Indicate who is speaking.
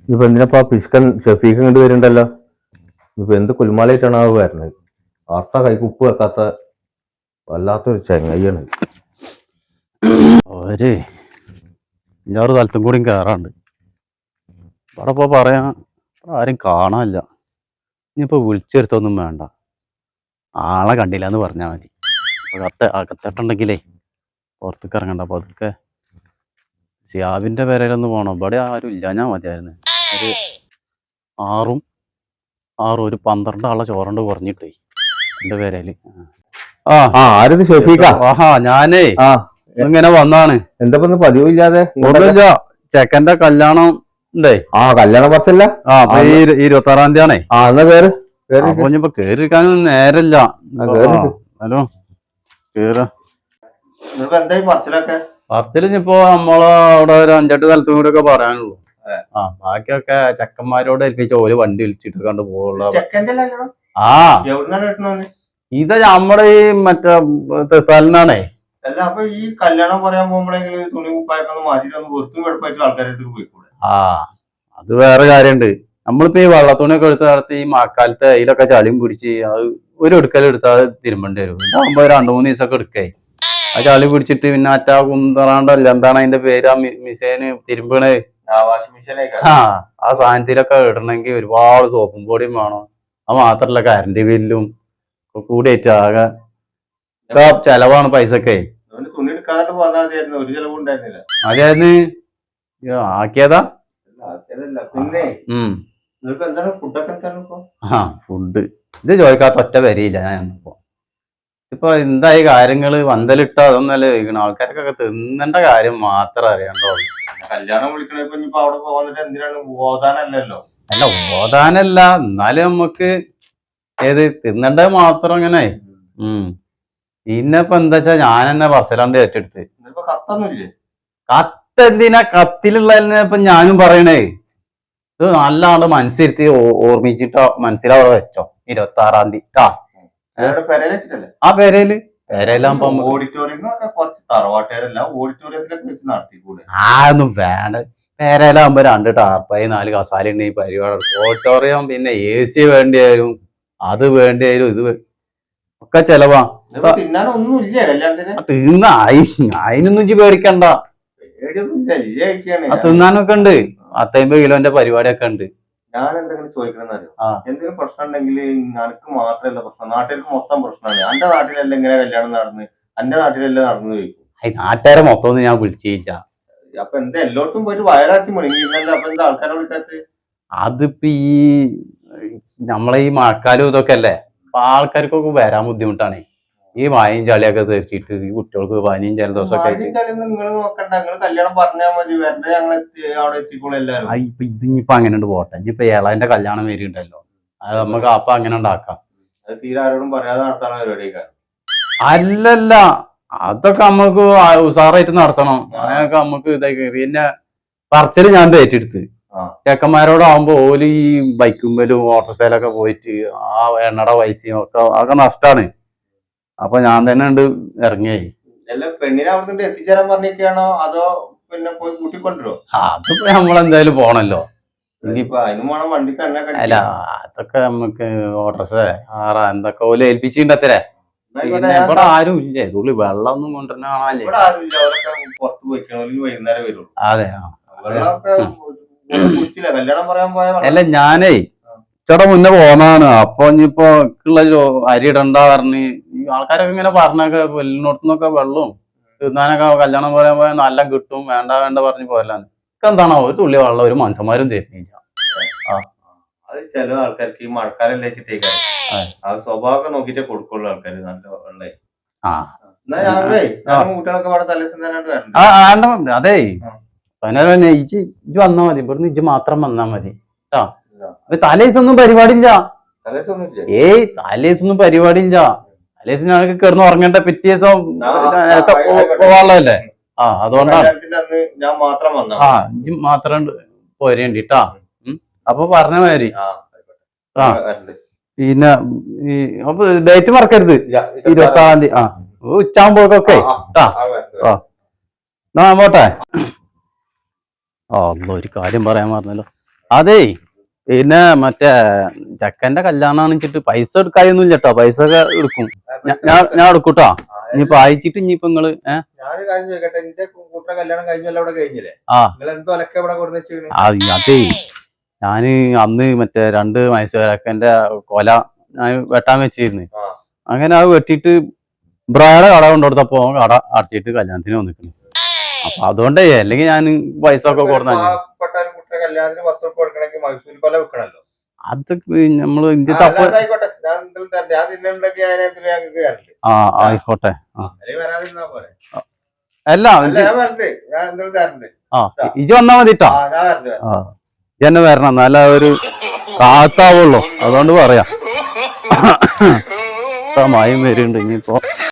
Speaker 1: ഇപ്പൊ എന്തിനപ്പാ പിസ്കൻ ഷെഫീഖ് ഇങ്ങോട്ട് വരുന്നുണ്ടല്ലോ. ഇപ്പൊ എന്ത് കുൽമാലായിട്ടാണ് ആ വരുന്നത്. വാർത്ത കൈക്ക് ഉപ്പ് വെക്കാത്ത വല്ലാത്തൊരു ചെങ്ങയ്യാണ്.
Speaker 2: ഒരു 5-6 സ്ഥലത്തും കൂടിയും കയറാണ്ട് ഇവിടെ ഇപ്പോൾ പറയാൻ ആരും കാണാനില്ല. ഇനിയിപ്പോൾ വിളിച്ചെടുത്തൊന്നും വേണ്ട, ആളെ കണ്ടില്ല എന്ന് പറഞ്ഞാൽ മതി. അകത്തിട്ടുണ്ടെങ്കിലേ പുറത്തേക്ക് ഇറങ്ങണ്ട. അപ്പോൾ അതൊക്കെ ഷിയാബിൻ്റെ പേരയിലൊന്ന് പോകണം. ഇവിടെ ആരും ഇല്ല, ഞാൻ മതിയായിരുന്നു. ഒരു 6 ഒരു 12 ആളെ ചോറണ്ട് കുറഞ്ഞിട്ടേ എൻ്റെ പേരയിൽ.
Speaker 1: ആരത് ഷെഫീഖാ?
Speaker 2: ആഹാ, ഞാനേ ഇങ്ങനെ വന്നാണ്.
Speaker 1: എന്താ പതിവില്ലാതെ?
Speaker 2: ഒന്നുമില്ല, ചെക്കന്റെ കല്യാണം ഉണ്ടേ.
Speaker 1: കല്യാണം പത്തല്ല.
Speaker 2: 26-ാം തീയതിയാണേ.
Speaker 1: എന്നാ പേര്
Speaker 2: അപ്പൊ ഇനിയിപ്പോ കേറിയിരിക്കാനൊന്നും നേരല്ല. ഹലോ, കേറ പറച്ചിലിപ്പോ നമ്മളെ അവിടെ ഒരു 5-8 സ്ഥലത്തും കൂടി ഒക്കെ പറയാനുള്ളൂ. ബാക്കിയൊക്കെ ചെക്കന്മാരോട് ഏൽപ്പിച്ച ഓര് വണ്ടി വിളിച്ചിട്ട് കണ്ട് പോകുള്ള. ഇത് നമ്മുടെ ഈ മറ്റേ സ്ഥലനാണേ.
Speaker 1: അല്ല, അപ്പൊ ഈ കല്യാണം പറയാൻ പോകുമ്പോഴെങ്കിൽ തുണി കുപ്പായൊക്കെ മാറ്റിട്ടൊന്ന് വൃത്തിയും വെടുപ്പായിട്ട് ആൾക്കാരായിട്ട് പോയിക്കൂടെ?
Speaker 2: അത് വേറെ കാര്യമുണ്ട്. നമ്മളിപ്പോ ഈ വള്ളത്തുണിയൊക്കെ എടുത്ത് നടത്തി ഈ മഴക്കാലത്ത് അതിലൊക്കെ ചളിയും പിടിച്ച് അത് ഒരു എടുക്കലെടുത്താൽ അത് തിരുമ്പേണ്ടി വരും. ഇതാകുമ്പോ 2-3 ദിവസമൊക്കെ എടുക്കായി. ആ ചളി പിടിച്ചിട്ട് പിന്നെ അറ്റാ കുന്തറാണ്ടല്ല, എന്താണ് അതിന്റെ പേര്, ആ മിഷീന് തിരുമ്പണേ. ആ സാധനത്തിലൊക്കെ ഇടണമെങ്കിൽ ഒരുപാട് സോപ്പും പൊടിയും വേണം. അത് മാത്രല്ല കറണ്ട് ബില്ലും കൂടിയായിട്ട് ആകെ ചെലവാണ് പൈസക്കെ. അതായത് ആക്കിയതാ. ഫുഡ് ഇത് ചോദിക്കാത്ത ഒറ്റ വരിയില്ല ഞാൻ ഇപ്പോ. ഇപ്പൊ എന്തായി കാര്യങ്ങള്, വന്തലിട്ടോ അതൊന്നല്ല ചോദിക്കണം. ആൾക്കാർക്കൊക്കെ തിന്നേണ്ട കാര്യം മാത്രം അറിയണ്ടോ.
Speaker 1: കല്യാണം വിളിക്കണ അവിടെ പോകുന്നിട്ട് എന്തിനാണ്? ഓതാനല്ലോ.
Speaker 2: അല്ല, ഓതാനല്ല, എന്നാലും നമുക്ക് ഏത് തിന്നേണ്ടത് മാത്രം ഇങ്ങനെ. പിന്നെ ഇപ്പൊ എന്താ വെച്ചാ ഞാൻ തന്നെ പറച്ചിലാണ്ട് ഏറ്റെടുത്ത്.
Speaker 1: കത്തൊന്നുമില്ലേ?
Speaker 2: കത്തെന്തിനാ? കത്തിലുള്ളതിനെ ഇപ്പൊ ഞാനും പറയണേ. ഇത് നല്ല ആള് മനസ്സിരുത്തി ഓർമ്മിച്ചിട്ടോ മനസ്സിലാവാതെ വെച്ചോ. 26-ാം തീയതി ആ പേരയിലാകുമ്പോ ഒന്നും വേണ്ട. പേരയിലാകുമ്പോ 2 ടാർപ്പായി 4 കസാല ഉണ്ട്. ഈ പരിപാടി ഓഡിറ്റോറിയം, പിന്നെ AC വേണ്ടി വരും, അത് വേണ്ടി വരും, ഇത് ഒക്കെ ചെലവാ. അതിനൊന്നും ഇജ്ജ് പേടിക്കണ്ട. തിന്നാനൊക്കെ ഉണ്ട്. 50 കിലോന്റെ പരിപാടിയൊക്കെ ഉണ്ട്.
Speaker 1: ഞാൻ എന്തെങ്കിലും ചോദിക്കണമെന്നറിയോ? എന്തെങ്കിലും പ്രശ്നം ഉണ്ടെങ്കിൽ എനിക്ക് മാത്രമല്ല പ്രശ്നം, നാട്ടുകാർക്ക് മൊത്തം പ്രശ്നമാണ്. എന്റെ നാട്ടിലല്ല ഇങ്ങനെ കല്യാണം നടന്ന്, എന്റെ നാട്ടിലല്ലേ നടന്നു ചോദിക്കും.
Speaker 2: നാട്ടുകാരെ മൊത്തം ഒന്നും ഞാൻ വിളിച്ചില്ല.
Speaker 1: അപ്പൊ എന്താ എല്ലായിടത്തും പോയിട്ട് വയറാച്ചി മുടങ്ങിയിരുന്നല്ലോ. അപ്പൊ എന്താ ആൾക്കാരെ വിളിക്കാത്ത?
Speaker 2: അതിപ്പോ ഈ നമ്മളെ ഈ മഴക്കാലം ഇതൊക്കെ അല്ലേ, അപ്പൊ ആൾക്കാർക്കൊക്കെ വരാൻ ബുദ്ധിമുട്ടാണ്. ഈ വായും ചളിയൊക്കെ തെറിച്ചിട്ട് ഈ കുട്ടികൾക്ക് പനിയും ജലദോഷമൊക്കെ ആയിട്ട്.
Speaker 1: നിങ്ങൾ നോക്കണ്ട, നിങ്ങൾ കല്യാണം പറഞ്ഞാൽ മതി, വെറുതെ ഞങ്ങൾ അവിടെ എത്തിക്കോളും എല്ലാവരും.
Speaker 2: ഇപ്പൊ ഇതിപ്പോ അങ്ങനെ ഉണ്ട് പോട്ടെ. ഇനിയിപ്പോ ഏളാന്റെ കല്യാണം വരുന്നുണ്ടല്ലോ, അത് നമുക്ക് അപ്പൊ അങ്ങനെ ഉണ്ടാക്കാം.
Speaker 1: അത് തീരെ ആരോടും പറയാതെ നടത്താൻ പരിപാടിയൊക്കെ.
Speaker 2: അല്ലല്ല, അതൊക്കെ നമുക്ക് ഉസാറായിട്ട് നടത്തണം. അതിനൊക്കെ നമുക്ക് ഇതായി. പിന്നെ പറച്ചില് ഞാൻ ഏറ്റെടുത്ത്. ചെക്കന്മാരോടാവുമ്പോ ഓല് ഈ ബൈക്കുമ്പലും ഓട്ടോറിക്ഷയിലൊക്കെ പോയിട്ട് ആ എണ്ണയുടെ പൈസയും ഒക്കെ നഷ്ടാണ്. അപ്പൊ ഞാൻ തന്നെ ഉണ്ട് ഇറങ്ങിയായി.
Speaker 1: പെണ്ണിനെ അവിടെ എത്തിച്ചേരാൻ പറഞ്ഞിരിക്കുകയാണോ അതോ പിന്നെ പോയി കൂട്ടിക്കൊണ്ടോ?
Speaker 2: അതിപ്പോ നമ്മളെന്തായാലും പോണല്ലോ.
Speaker 1: അല്ല,
Speaker 2: അതൊക്കെ നമുക്ക് ഓട്ടോറിക്ഷ എന്തൊക്കെ ഓല് ഏൽപ്പിച്ചിട്ടുണ്ടത്രേ. പിന്നെ ഇവിടെ ആരും ഇല്ലേ, തുള്ളി വെള്ളം ഒന്നും കൊണ്ടുവരുന്ന കാണാല്ലേ. അതെ. അല്ല, ഞാനേ ചേട്ടാ മുന്നേ പോന്നാണ്. അപ്പൊ ഇനിയിപ്പോ ഉള്ള അരി ഇടണ്ട പറഞ്ഞ് ഈ ആൾക്കാരൊക്കെ ഇങ്ങനെ പറഞ്ഞൊക്കെ വെല്ലിനോടത്തുനിന്നൊക്കെ വെള്ളവും തിന്നാനൊക്കെ കല്യാണം പറയാൻ പോയാൽ നല്ല കിട്ടും, വേണ്ട വേണ്ട പറഞ്ഞ് പോയല്ലാന്ന്. എന്താണോ ഒരു തുള്ളി വെള്ളം ഒരു മനുഷ്യന്മാരും തരുന്നില്ല.
Speaker 1: അത് ചില ആൾക്കാർക്ക് ഈ മഴക്കാലം വെച്ചിട്ടേക്കാ സ്വഭാവമൊക്കെ നോക്കിട്ടേ കൊടുക്കുള്ളൂ ആൾക്കാര്. നല്ല വെള്ളേ.
Speaker 2: അതെ, ഇജ്ജ് വന്നാ മതി. ഇവിടുന്ന് ഇജ്ജ് മാത്രം വന്നാ മതി കേട്ടോ. തലേസൊന്നും പരിപാടിയില്ല. തലേസൊന്നും പരിപാടിയില്ല. തലേസ് ഞങ്ങൾക്ക് കിടന്ന് ഉറങ്ങേണ്ട, പിറ്റേ ദിവസം പോവാനുള്ളതല്ലേ. അതുകൊണ്ടാണ് ഇജ്ജ് മാത്രം പോരേണ്ടിട്ടാ. അപ്പൊ പറഞ്ഞ മാതിരി. പിന്നെ അപ്പൊ ഡേറ്റ് മറക്കരുത്, 26-ാം തീയതി. ഉച്ചാകുമ്പോഴൊക്കെ പോട്ടെ. ഒരു കാര്യം പറയാൻ പറഞ്ഞല്ലോ. അതേ പിന്നെ മറ്റേ ചെക്കന്റെ കല്യാണം വെച്ചിട്ട് പൈസ എടുക്കായൊന്നും ഇല്ലട്ടോ, പൈസ ഒക്കെ എടുക്കും. ഞാൻ എടുക്കൂട്ടോ. ഇനിയിപ്പോ അയച്ചിട്ട് ഇനിയിപ്പോ നിങ്ങള്
Speaker 1: ഞാനൊരു കാര്യം ചോദിക്കട്ടെ, എന്റെ കൂട്ടറെ കല്യാണം കഴിഞ്ഞല്ലോ, അവിടെ കഴിഞ്ഞില്ലേ? നിങ്ങൾ എന്തോ അലക്കെ ഇവിടെ കൊടുന്ന് വെച്ചിരുന്നു?
Speaker 2: അതേ ഞാന് അന്ന് മറ്റേ 2 മൈസൂരക്കന്റെ കൊല ഞാൻ വെട്ടാൻ വെച്ചിരുന്നു. അങ്ങനെ അത് വെട്ടിയിട്ട് ബ്രായുടെ കട കൊണ്ടുകൊടുത്തപ്പോ കട അടച്ചിട്ട് കല്യാണത്തിന് വന്നിട്ടുണ്ട്. അപ്പൊ അതുകൊണ്ടേ അല്ലെങ്കിൽ ഞാൻ പൈസ ഒക്കെ കൊടുത്ത
Speaker 1: കല്യാണത്തിന് 10 ഉറുപ്പിക കൊടുക്കണമെങ്കിൽ മൈസൂർ കൊല വെക്കണല്ലോ.
Speaker 2: അത് നമ്മള്
Speaker 1: ആയിക്കോട്ടെ, ഞാൻ തിന്നുണ്ടെങ്കിൽ
Speaker 2: ആയിക്കോട്ടെ.
Speaker 1: വരാതിരുന്നാ പോലെ.
Speaker 2: അല്ല
Speaker 1: ഞാൻ എന്തെങ്കിലും തരണ്ട്.
Speaker 2: ഇജ് വന്നാ മതിട്ടോ. ഇജന്നെ വരണം, എന്നാലേ ഒരു കാത്താവുള്ളൂ. അതുകൊണ്ട് പറയാം. മയം വരുന്നുണ്ട് ഇനിയിപ്പോ.